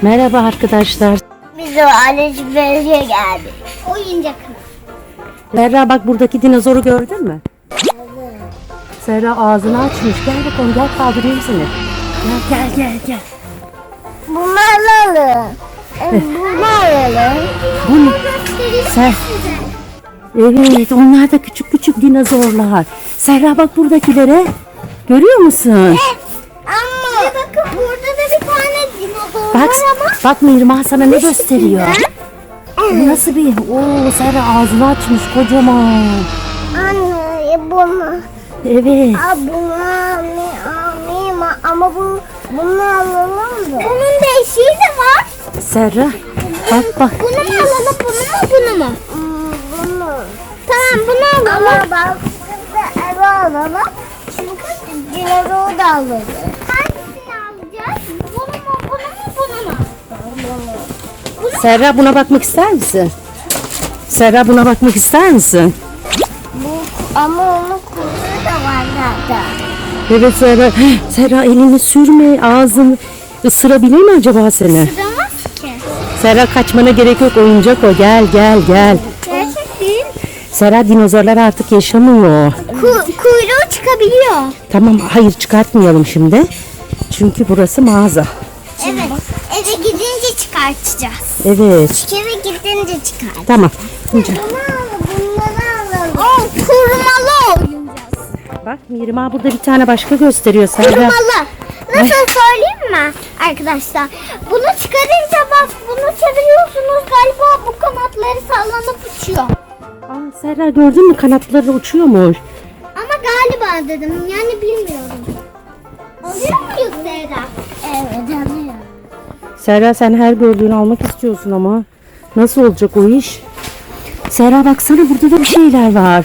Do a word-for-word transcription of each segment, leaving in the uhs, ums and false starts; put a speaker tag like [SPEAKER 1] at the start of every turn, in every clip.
[SPEAKER 1] Merhaba arkadaşlar.
[SPEAKER 2] Biz o alışverişe geldik. Oyuncaklar.
[SPEAKER 1] Serra bak buradaki dinozoru gördün mü? Serra ağzını açmış. Gel bakalım, gel kaldırayım seni. Gel gel gel gel.
[SPEAKER 2] Bunları alalım. Bunları alalım.
[SPEAKER 1] Bu ne? Ser evet, onlar da küçük küçük dinozorlar. Serra bak buradakilere. Görüyor musun?
[SPEAKER 2] Ama bakın burada da bir tane dinozor
[SPEAKER 1] Bak,
[SPEAKER 2] var ama.
[SPEAKER 1] bak Mirma sana ne gösteriyor? Bu nasıl bir? Oo, Serra ağzını açmış kocaman.
[SPEAKER 2] Anne bunu.
[SPEAKER 1] Evet.
[SPEAKER 2] Aa, bunu alayım ama bu bunu alalım mı? Bunun değişiği de var.
[SPEAKER 1] Serra bak bak.
[SPEAKER 2] Bunu mu alalım, bunu mu, bunu mu? Hmm, bunu. Tamam, bunu alalım. Ama bak kızı eve alalım. Çünkü dinozoru da alalım. Hangisini alacağız? Bunu mu, bunu mu, bunu mu? Bunu.
[SPEAKER 1] Serra buna bakmak ister misin? Serra buna bakmak ister misin?
[SPEAKER 2] Bu, ama onun kuyruğu da var zaten.
[SPEAKER 1] Evet Serra. Serra elini sürme, ağzını ısırabilir mi acaba seni?
[SPEAKER 2] Sığamaz ki.
[SPEAKER 1] Serra kaçmana gerek yok, oyuncak o. Gel gel gel.
[SPEAKER 2] Gerçek değil.
[SPEAKER 1] Serra dinozorlar artık yaşamıyor.
[SPEAKER 2] Ku- kuyruğu çıkabiliyor.
[SPEAKER 1] Tamam, hayır çıkartmayalım şimdi. Çünkü burası mağaza.
[SPEAKER 2] Evet. Eve gidince çıkartacağız.
[SPEAKER 1] Evet.
[SPEAKER 2] Eve gidince çıkar.
[SPEAKER 1] Tamam. Şimdi
[SPEAKER 2] Bunu alalım, bunları alalım. O kurmalı oynayacağız.
[SPEAKER 1] bak Mirma burada bir tane başka gösteriyor Serra.
[SPEAKER 2] Kurmalı. Nasıl söyleyeyim mi arkadaşlar? Bunu çıkarınca bak bunu çeviriyorsunuz, galiba bu kanatları sallanıp uçuyor.
[SPEAKER 1] Aa, Serra gördün mü, kanatları uçuyormuş.
[SPEAKER 2] Ama galiba dedim, yani bilmiyorum. Alıyor muyuz Zehra? Evet, alıyorum.
[SPEAKER 1] Serra sen her gördüğünü almak istiyorsun ama nasıl olacak o iş? Serra baksana, burada da bir şeyler var.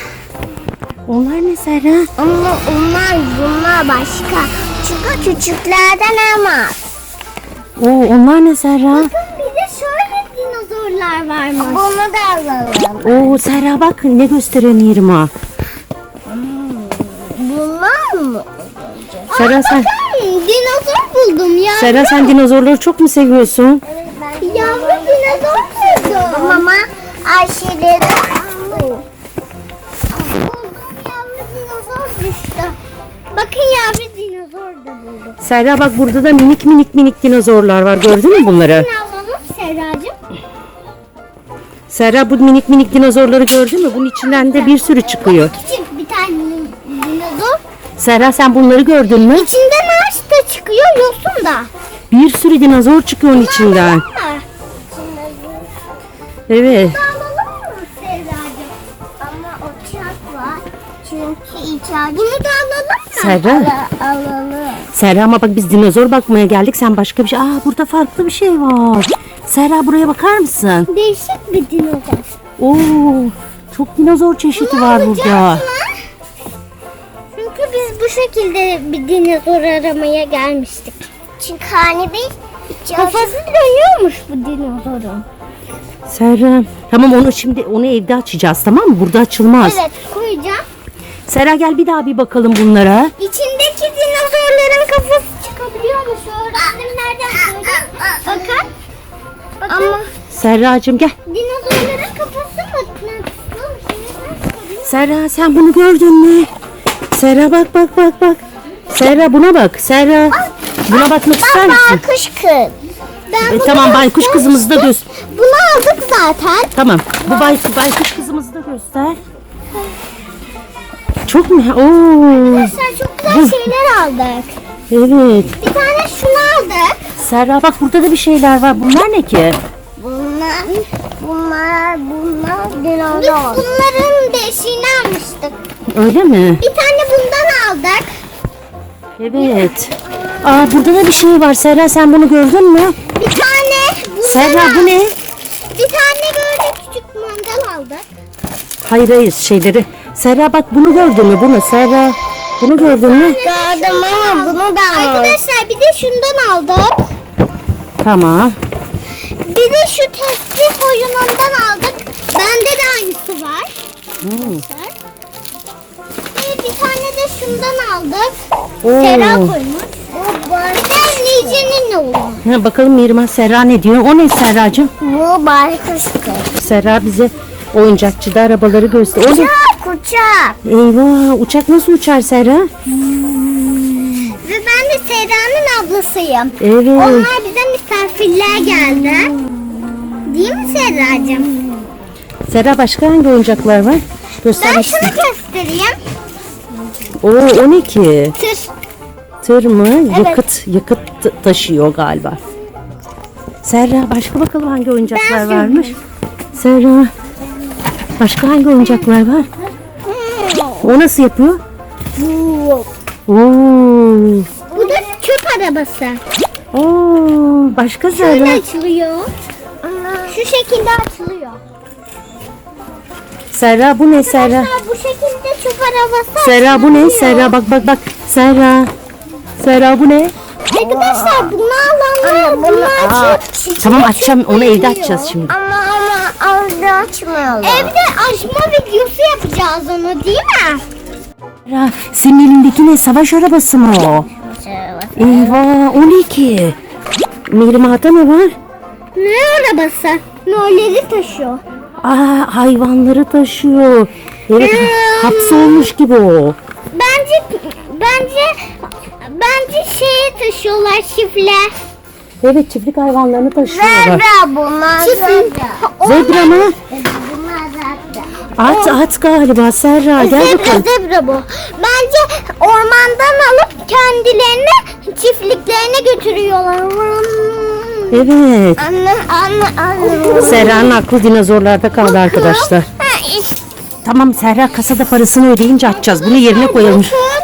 [SPEAKER 1] Onlar ne Serra?
[SPEAKER 2] Ama onlar bunlar başka. Çünkü küçüklerden ama.
[SPEAKER 1] Oo, onlar ne Serra?
[SPEAKER 2] Bakın bir de şöyle dinozorlar varmış. Bunu da alalım.
[SPEAKER 1] Oo Serra bak ne gösteriyor Mirma.
[SPEAKER 2] Bunlar mı?
[SPEAKER 1] Serra sen,
[SPEAKER 2] Bakın dinozor buldum ya.
[SPEAKER 1] Serra sen dinozorları çok mu seviyorsun?
[SPEAKER 2] Yavru dinozor buldum. Ama Ayşe'de buldum, yavru dinozor düştü. Bakın yavru dinozor da buldum.
[SPEAKER 1] Serra bak burada da minik minik minik dinozorlar var, gördün mü bunları?
[SPEAKER 2] Ne alalım Serracığım?
[SPEAKER 1] Serra bu minik minik dinozorları gördün mü? Bunun içinden de bir sürü çıkıyor.
[SPEAKER 2] Küçük bir tane dinozor.
[SPEAKER 1] Serra sen bunları gördün mü?
[SPEAKER 2] İçinden ağaç da çıkıyor, yosun da.
[SPEAKER 1] Bir sürü dinozor çıkıyor onun içinden.
[SPEAKER 2] Alalım mı?
[SPEAKER 1] Evet.
[SPEAKER 2] Alalım mı Serracığım? Ama o çak var. Çünkü içeride. Bunu da alalım mı?
[SPEAKER 1] Serra.
[SPEAKER 2] Al- alalım.
[SPEAKER 1] Serra ama bak biz dinozor bakmaya geldik, sen başka bir şey. Aa burada farklı bir şey var. Serra buraya bakar mısın?
[SPEAKER 2] Değişik bir dinozor.
[SPEAKER 1] Oo çok dinozor çeşidi var burada.
[SPEAKER 2] Çünkü biz bu şekilde bir dinozor aramaya gelmiştik. Çünkü hani bir kafası dönüyormuş bu dinozorun.
[SPEAKER 1] Serra tamam, onu şimdi onu evde açacağız, tamam mı? Burada açılmaz.
[SPEAKER 2] Evet, koyacağım.
[SPEAKER 1] Serra gel bir daha bir bakalım bunlara.
[SPEAKER 2] İçindeki dinozorların kafası çıkabiliyormuş. Öğrendim, nereden söyleyeyim? Bakın. Bakın. Ama
[SPEAKER 1] Serracığım gel.
[SPEAKER 2] dinozorların kafası mı?
[SPEAKER 1] Serra sen bunu gördün mü? Serra bak bak bak bak. Serra buna bak. Serra buna bakmak ister misin?
[SPEAKER 2] Baykuş kız. Ben
[SPEAKER 1] E,
[SPEAKER 2] bunu
[SPEAKER 1] tamam baykuş kızımızı da göster.
[SPEAKER 2] Bunu aldık zaten.
[SPEAKER 1] Tamam. Bu bay, baykuş kızımızı da göster. Çok mu? Oo.
[SPEAKER 2] Arkadaşlar çok güzel şeyler aldık.
[SPEAKER 1] Evet.
[SPEAKER 2] Bir tane şunu aldık.
[SPEAKER 1] Serra bak burada da bir şeyler var. Bunlar ne ki?
[SPEAKER 2] Bunlar, bunlar, bunlar dinozor. Biz bunların beşiğini almıştık.
[SPEAKER 1] Öyle mi?
[SPEAKER 2] Bir tane bundan aldık.
[SPEAKER 1] Evet. Aa burada da bir şey var. Serra sen bunu gördün mü?
[SPEAKER 2] Bir tane bundan
[SPEAKER 1] Serra bu ne?
[SPEAKER 2] Bir tane böyle küçük mandal aldık.
[SPEAKER 1] Hayır hayır şeyleri. Serra bak bunu gördün mü? Bunu Serra. Bunu gördün mü?
[SPEAKER 2] Gördüm ama bunu da aldık. Arkadaşlar bir de şundan aldık.
[SPEAKER 1] Tamam.
[SPEAKER 2] Bir de şu tesbih oyunundan aldık. Bende de aynısı var.
[SPEAKER 1] Hmm.
[SPEAKER 2] Ve bir tane de şundan aldık.
[SPEAKER 1] Oo.
[SPEAKER 2] Serra koymuş. Bir de Nice'nin oğlu.
[SPEAKER 1] Ha, bakalım Mirma Serra ne diyor? O ne Serracığım?
[SPEAKER 2] Bu baykuştu.
[SPEAKER 1] Serra bize oyuncakçıda arabaları göster. O ne?
[SPEAKER 2] Uçak uçak.
[SPEAKER 1] Eyvah, uçak nasıl uçar Serra?
[SPEAKER 2] Ve ben de Serra'nın ablasıyım.
[SPEAKER 1] Evet.
[SPEAKER 2] Onlar bize misafirler geldi. Değil mi Serracığım?
[SPEAKER 1] Serra başka hangi oyuncaklar var? Göster.
[SPEAKER 2] Ben şunu göstereyim.
[SPEAKER 1] Oo, o ne ki?
[SPEAKER 2] Tır.
[SPEAKER 1] Tır mı?
[SPEAKER 2] Evet.
[SPEAKER 1] Yakıt, yakıt ta- taşıyor galiba. Serra başka bakalım hangi oyuncaklar
[SPEAKER 2] Ben
[SPEAKER 1] varmış? Serra başka hangi oyuncaklar var? O nasıl yapıyor?
[SPEAKER 2] Bu.
[SPEAKER 1] Oo.
[SPEAKER 2] Bu da çöp arabası.
[SPEAKER 1] Oo, başka
[SPEAKER 2] Şöyle
[SPEAKER 1] Serra.
[SPEAKER 2] açılıyor. Şu şekilde açılıyor.
[SPEAKER 1] Serra bu ne Serra?
[SPEAKER 2] Arkadaşlar bu şekilde çöp arabası
[SPEAKER 1] Serra bu ne?
[SPEAKER 2] açılıyor.
[SPEAKER 1] Serra bak bak bak. Serra. Serra bu ne?
[SPEAKER 2] Arkadaşlar bunu alanlar bunu açıp
[SPEAKER 1] Tamam açacağım onu evde açacağız şimdi.
[SPEAKER 2] Ama ama evde açmayalım. Evde açma videosu yapacağız onu değil mi?
[SPEAKER 1] Serra senin elindeki ne? Savaş arabası mı o? Eyvah o ne ki? Mirma'da ne var?
[SPEAKER 2] Ne arabası? Nolleri taşıyor.
[SPEAKER 1] Aa hayvanları taşıyor. Evet
[SPEAKER 2] Hmm.
[SPEAKER 1] hapsolmuş gibi o.
[SPEAKER 2] Bence bence bence şeyi taşıyorlar çiftler.
[SPEAKER 1] Evet çiftlik hayvanlarını taşıyorlar.
[SPEAKER 2] bunlar zebra.
[SPEAKER 1] Zebra mı?
[SPEAKER 2] Bunlar zebra.
[SPEAKER 1] At at galiba Serra gel
[SPEAKER 2] Zebra
[SPEAKER 1] bakalım.
[SPEAKER 2] zebra bu. Bence ormandan alıp kendilerini çiftliklerine götürüyorlar.
[SPEAKER 1] Evet.
[SPEAKER 2] Anne anne anne.
[SPEAKER 1] Serra'nın aklı dinozorlarda kaldı arkadaşlar.
[SPEAKER 2] Ha, işte.
[SPEAKER 1] Tamam Serra kasada parasını ödeyince açacağız. Bunu yerine koyalım.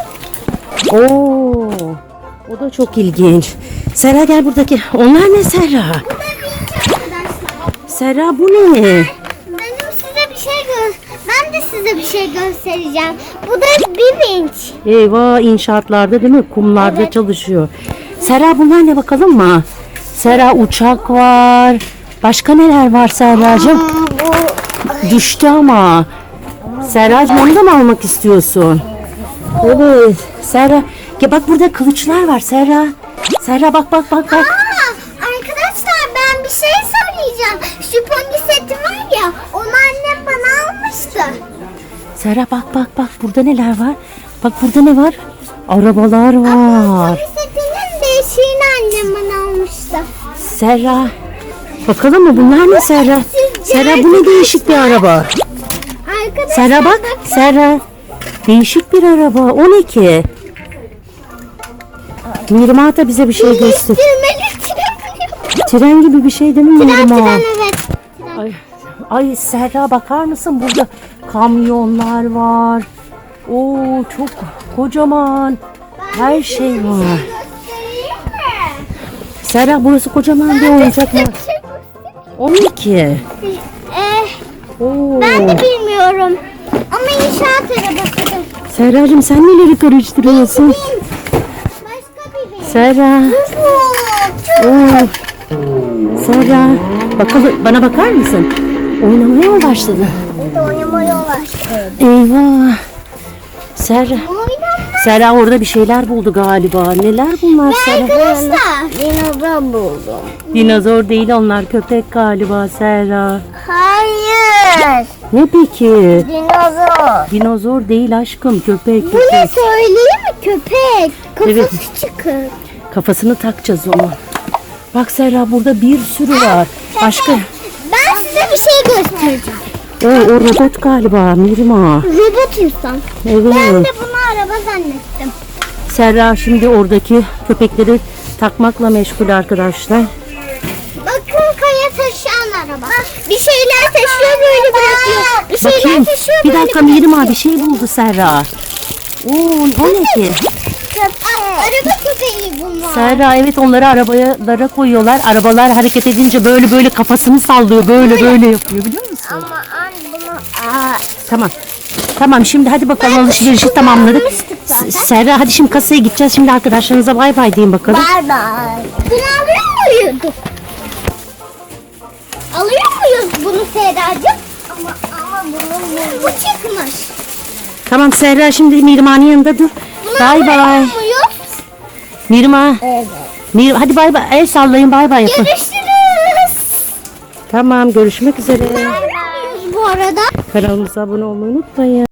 [SPEAKER 1] Oo, o da çok ilginç. Serra gel buradaki. Onlar ne Serra? Serra bu ne?
[SPEAKER 2] Benim size bir şey gö ben de size bir şey göstereceğim. Bu da bir vinç.
[SPEAKER 1] Eyvah inşaatlarda değil mi? Kumlarda
[SPEAKER 2] Evet.
[SPEAKER 1] çalışıyor. Serra bunlar ne bakalım mı? Serra uçak var. Başka neler var Serracığım?
[SPEAKER 2] Bu
[SPEAKER 1] Düştü ama. Serracığım onu da mı almak istiyorsun? Evet. Serra. Ya bak burada kılıçlar var Serra. Serra bak bak bak bak.
[SPEAKER 2] Aa, arkadaşlar ben bir şey söyleyeceğim. Şu pony seti var ya, onu annem bana almıştı.
[SPEAKER 1] Serra bak bak bak burada neler var? Bak burada ne var? Arabalar var.
[SPEAKER 2] Pony setinin değişiğini annem bana almıştı.
[SPEAKER 1] Serra. Bakalım mı bunlar ne Serra? Serra bu ne değişik bir araba.
[SPEAKER 2] Arkadaşlar
[SPEAKER 1] Serra bak. Serra. Değişik bir araba. O ne ki? Mirma da bize bir şey göster.
[SPEAKER 2] değiştirmeli tren.
[SPEAKER 1] Tren gibi bir şey değil mi
[SPEAKER 2] Tren
[SPEAKER 1] Mirma?
[SPEAKER 2] tren evet.
[SPEAKER 1] Ay, ay Serra bakar mısın burada kamyonlar var. Oo çok kocaman. Her şey var.
[SPEAKER 2] Göstereyim mi?
[SPEAKER 1] Serra burası kocaman bir oyuncak var.
[SPEAKER 2] Size bir şey göstereyim.
[SPEAKER 1] O ne ki?
[SPEAKER 2] Eh,
[SPEAKER 1] Oo.
[SPEAKER 2] ben de bilmiyorum. Ama inşaat arabasıdır.
[SPEAKER 1] Serracığım sen neleri karıştırıyorsun?
[SPEAKER 2] Başka bir vinç.
[SPEAKER 1] Serra.
[SPEAKER 2] Çok
[SPEAKER 1] Oo. Serra. Bakalım bana bakar mısın? Oynamaya mı başladın?
[SPEAKER 2] oynamaya başladı.
[SPEAKER 1] Eyvah. Serra.
[SPEAKER 2] Oynama.
[SPEAKER 1] Serra orada bir şeyler buldu galiba. Neler bunlar Serra?
[SPEAKER 2] Arkadaşlar. Dinozor buldum.
[SPEAKER 1] Dinozor değil onlar köpek galiba Serra.
[SPEAKER 2] Hayır.
[SPEAKER 1] Ne peki?
[SPEAKER 2] Dinozor.
[SPEAKER 1] Dinozor değil aşkım köpek
[SPEAKER 2] Bu ne
[SPEAKER 1] köpek.
[SPEAKER 2] söyleyeyim mi? Köpek. Kafası
[SPEAKER 1] Evet.
[SPEAKER 2] çıkık.
[SPEAKER 1] Kafasını takacağız onu. Bak Serra burada bir sürü var. Başka.
[SPEAKER 2] Ben size bir şey göstereceğim.
[SPEAKER 1] O, o robot galiba Mirma.
[SPEAKER 2] Robot insan. Ben
[SPEAKER 1] Evet.
[SPEAKER 2] de bunu araba zannettim.
[SPEAKER 1] Serra şimdi oradaki köpekleri takmakla meşgul arkadaşlar.
[SPEAKER 2] Bakın kaya taşıyan araba. Bir şeyler taşıyor böyle bırakıyor. Bir şeyler
[SPEAKER 1] Bakayım.
[SPEAKER 2] taşıyor
[SPEAKER 1] Bir
[SPEAKER 2] böyle
[SPEAKER 1] dakika
[SPEAKER 2] bırakıyor.
[SPEAKER 1] Mirma bir şey buldu Serra. Oo, o ne ki?
[SPEAKER 2] Aa, araba köpeği bunlar.
[SPEAKER 1] Serra evet onları arabalara koyuyorlar. Arabalar hareket edince böyle böyle kafasını sallıyor. Böyle böyle yapıyor biliyor musun?
[SPEAKER 2] Ama an bunu... Aa,
[SPEAKER 1] Tamam. Tamam şimdi hadi bakalım alışverişi tamamladık.
[SPEAKER 2] almıştık zaten.
[SPEAKER 1] S- Serra hadi şimdi kasaya gideceğiz. Şimdi arkadaşlarınıza bay bay deyin bakalım.
[SPEAKER 2] Bye bye. Bunu alıyor muyuz? Alıyor muyuz bunu Serracığım? Ama, ama bunun bu çıkmış.
[SPEAKER 1] Tamam Serra şimdi Mirma'nın yanında dur.
[SPEAKER 2] Bunu
[SPEAKER 1] Bay
[SPEAKER 2] alıyor
[SPEAKER 1] bay.
[SPEAKER 2] muyuz?
[SPEAKER 1] Mirma.
[SPEAKER 2] Evet.
[SPEAKER 1] Mir, hadi bay bay. El sallayın, bay bay yapın.
[SPEAKER 2] Görüşürüz.
[SPEAKER 1] Tamam, görüşmek üzere.
[SPEAKER 2] Bu arada.
[SPEAKER 1] Kanalımıza abone olmayı unutmayın.